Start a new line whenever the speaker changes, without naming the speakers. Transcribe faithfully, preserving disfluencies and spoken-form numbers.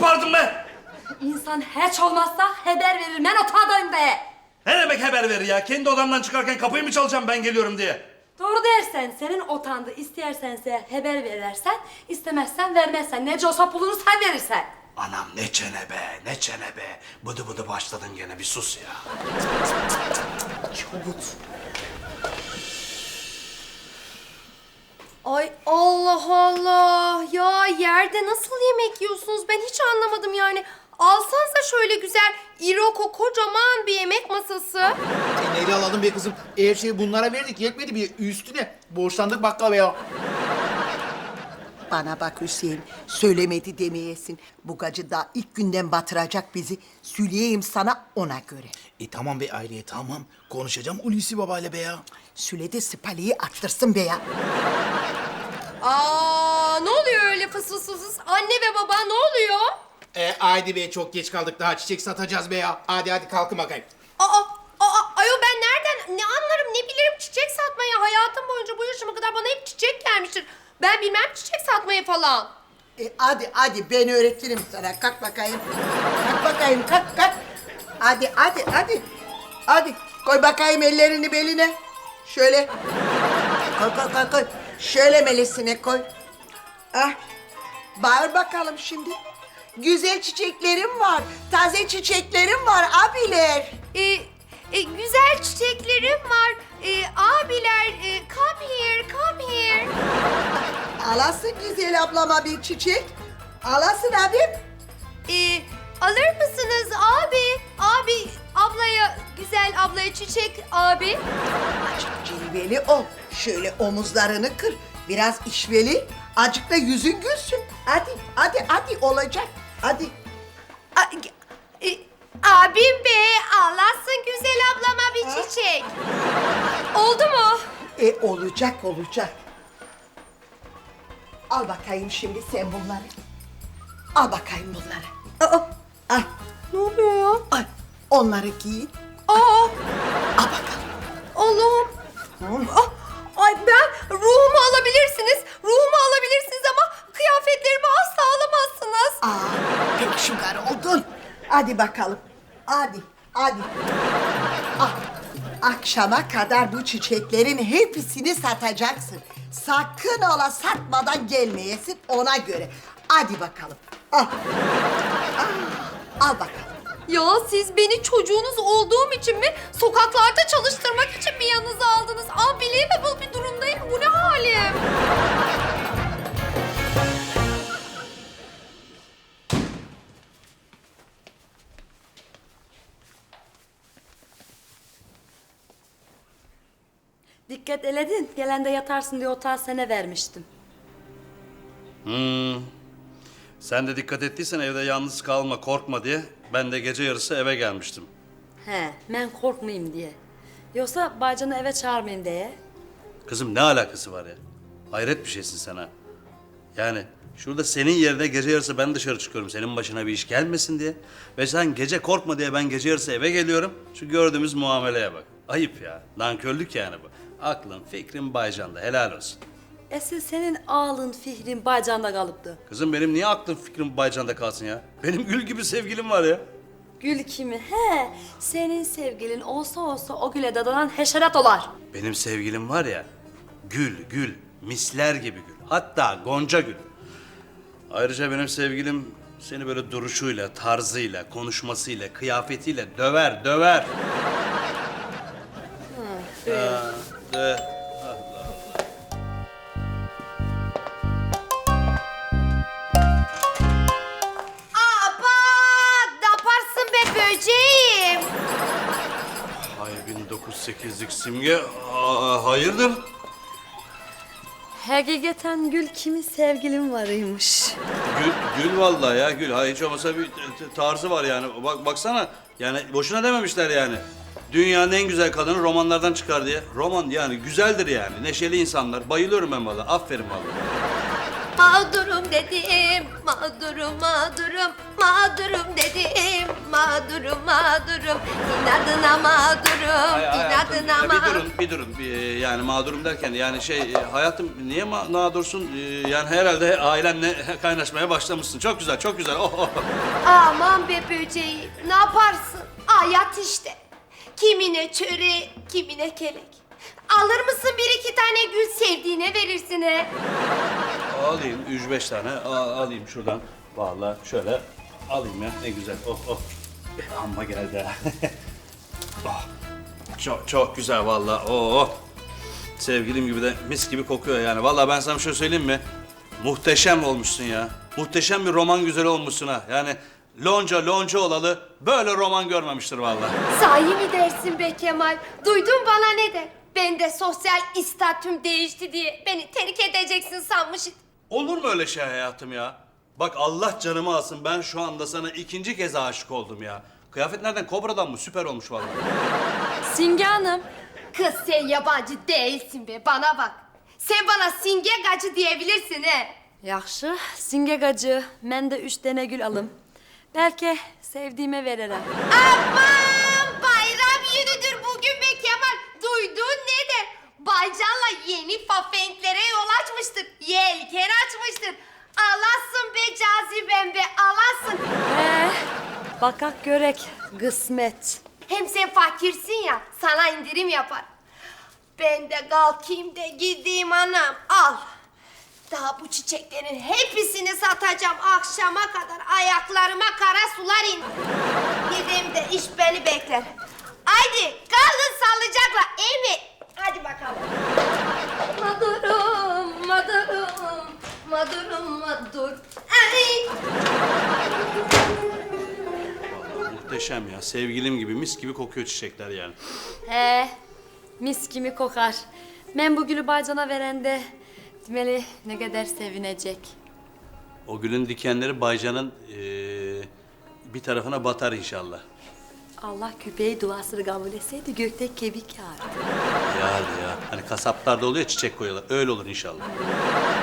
bağırdın be?
İnsan hiç olmazsa haber verir. Ben otağdayım be.
Ne demek haber verir ya? Kendi odamdan çıkarken kapıyı mı çalacağım ben geliyorum diye?
Doğru dersen senin otağında istersense haber verirsen, istemezsen vermezsen. Nece olsa pulunu sen verirsen.
Anam ne çene be, ne çene be. Bıdı bıdı başladın gene, bir sus ya.
Çabuk.
Ay Allah Allah. Ya yerde nasıl yemek yiyorsunuz? Ben hiç anlamadım yani. Alsanıza şöyle güzel iroko kocaman bir yemek masası.
E, neyle alalım be kızım? Her şeyi bunlara verdik, yetmedi bir üstüne. Borçlandık bakkala ya.
Bana bak Hüseyin, söylemedi demeyesin. Bu gacı daha ilk günden batıracak bizi. Süleyeyim sana ona göre.
E tamam be Ayriye, tamam. Konuşacağım Hulusi babayla be ya.
Süle de spaliyi arttırsın be ya.
Aa, ne oluyor öyle fıs fıs fıs? Anne ve baba ne oluyor?
E haydi be, çok geç kaldık, daha çiçek satacağız be ya. Hadi hadi kalkın bakayım.
Aa, aa, ayol ben nereden ne anlarım ne bilirim çiçek satmayı. Hayatım boyunca bu yaşıma kadar bana hep çiçek gelmiştir. Ben bilmem çiçek satmayı falan.
E, hadi hadi ben öğretirim sana. Kalk bakayım. Kalk bakayım, kalk kalk. Hadi hadi hadi. Hadi koy bakayım ellerini beline. Şöyle. Koy koy koy koy. Şöyle melesine koy. Ah. Bağır bakalım şimdi. Güzel çiçeklerim var. Taze çiçeklerim var abiler.
Ee, e, güzel çiçeklerim var. Ee, abiler, e, come here, come here.
Alasın güzel ablama bir çiçek. Alasın abim.
Ee, alır mısınız abi? Abi, ablaya, güzel ablaya çiçek abi.
Azıcık cilveli ol. Şöyle omuzlarını kır. Biraz işveli. Azıcık da yüzün gülsün. Hadi, hadi, hadi olacak. Hadi.
A, e, abim be, Allah'sın güzel ablama bir çiçek. Oldu mu?
E olacak, olacak. Al bakayım şimdi sen bunları. Al bakayım bunları.
Aa,
Al,
ne oluyor ya?
al. Onları giyin.
Aa,
Al bakalım.
Allah'ım. Ah, ay ben ruhumu alabilirsiniz. Ruhumu alabilirsiniz ama kıyafetlerimi asla alamazsınız.
Aa, pek şıkar oldun. Hadi bakalım. Hadi, hadi. Ah, akşama kadar bu çiçeklerin hepsini satacaksın. Sakın ola satmadan gelmeyesin ona göre. Hadi bakalım. Al. Ah, al bakalım.
Ya siz beni çocuğunuz olduğum için mi, sokaklarda çalıştırmak için mi yanınıza aldınız? Unbelievable bir durumdayım. Bu ne halim?
Dikkat eledin. Gelende yatarsın diye otağı sana vermiştim.
Hmm. Sen de dikkat ettiysen evde yalnız kalma, korkma diye ben de gece yarısı eve gelmiştim.
He, ben korkmayayım diye. Yoksa bacını eve çağırmayayım diye.
Kızım ne alakası var ya? Hayret bir şeysin sen ha. Yani şurada senin yerine gece yarısı ben dışarı çıkıyorum senin başına bir iş gelmesin diye. Ve sen gece korkma diye ben gece yarısı eve geliyorum. Şu gördüğümüz muameleye bak. Ayıp ya. Nankörlük yani bu. Aklın, fikrin Baycan'da. Helal olsun.
Esil senin ağlın, fihrin bacanda kalıptı.
Kızım benim niye aklım, fikrim Baycan'da kalsın ya? Benim gül gibi sevgilim var ya.
Gül kimi? He, senin sevgilin olsa olsa o güle dadanan heşerat olar.
Benim sevgilim var ya, gül, gül, misler gibi gül. Hatta gonca gül. Ayrıca benim sevgilim seni böyle duruşuyla, tarzıyla, konuşmasıyla, kıyafetiyle döver, döver. Ha, de.
Aba, ne yaparsın be böceğim?
Hay bin dokuz yüz sekizlik Simge, aa, hayırdır?
Hakikaten gül kimi sevgilim varıymış.
Gül, gül vallahi ya gül. Ha, hiç olmasa bir t- t- tarzı var yani. Bak baksana. Yani boşuna dememişler yani. Dünyanın en güzel kadını romanlardan çıkar diye. Roman yani güzeldir yani. Neşeli insanlar. Bayılıyorum ben vallahi. Aferin vallahi.
Mağdurum dedim, mağdurum, mağdurum, mağdurum dedim, mağdurum, mağdurum. İnadına mağdurum,
Ay, hayatım,
inadına
ya bir
mağdurum.
durun, bir durun. Bir, yani mağdurum derken yani şey e, hayatım niye ma- mağdursun? E, yani herhalde ailenle kaynaşmaya başlamışsın. Çok güzel, çok güzel. Oh, oh.
Aman be böceğim, ne yaparsın? Hayat işte. Kimine çöre, kimine kelek. Alır mısın bir iki tane gül, sevdiğine verirsin he?
Alayım üç beş tane a- alayım şuradan. Vallahi şöyle alayım ya ne güzel. Oh oh. Eh, amma geldi ha. Oh. Çok çok güzel vallahi. Oh. Sevgilim gibi de mis gibi kokuyor yani. Vallahi ben sana bir şey söyleyeyim mi? Muhteşem olmuşsun ya. Muhteşem bir roman güzeli olmuşsun ha. Yani lonca lonca olalı böyle roman görmemiştir vallahi.
Sahi mi dersin be Kemal? Duydun bana ne der? Ben de sosyal istatüm değişti diye beni terk edeceksin sanmış.
Olur mu öyle şey hayatım ya? Bak Allah canımı alsın ben şu anda sana ikinci kez aşık oldum ya. Kıyafet nereden? Kobra'dan mı? Süper olmuş vallahi.
Simge Hanım.
Kız sen yabancı değilsin be, bana bak. Sen bana Singe Gacı diyebilirsin he.
Yaxşı, Simge gacı. Ben de üç tane gül alım. Belki sevdiğime veririm.
Aman bayram günüdür bugün be Kemal. Duydun ne der? Baycan'la yeni fafenklere yol açmıştır. Yelken açmıştır. Alasın be cazibem be, alasın.
Ee, bakak görek, kısmet.
Hem sen fakirsin ya, sana indirim yapar. Ben de kalkayım da gideyim anam, al. Daha bu çiçeklerin hepsini satacağım akşama kadar. Ayaklarıma kara sular indi. Gideyim de iş beni bekler. Haydi kalın sağlıcakla, iyi mi? Hadi bakalım. Madurum, madurum, madurum, madur. Ay.
Vallahi muhteşem ya. Sevgilim gibi mis gibi kokuyor çiçekler yani.
He, mis gibi kokar. Ben bu gülü bacana verende demeli ne kadar sevinecek.
O gülün dikenleri Baycan'ın eee, bir tarafına batar inşallah.
Allah köpeği duasını kabul etseydi gökte kebik yağardı.
Ya ya. Hani kasaplarda oluyor ya, çiçek koyuyorlar. Öyle olur inşallah.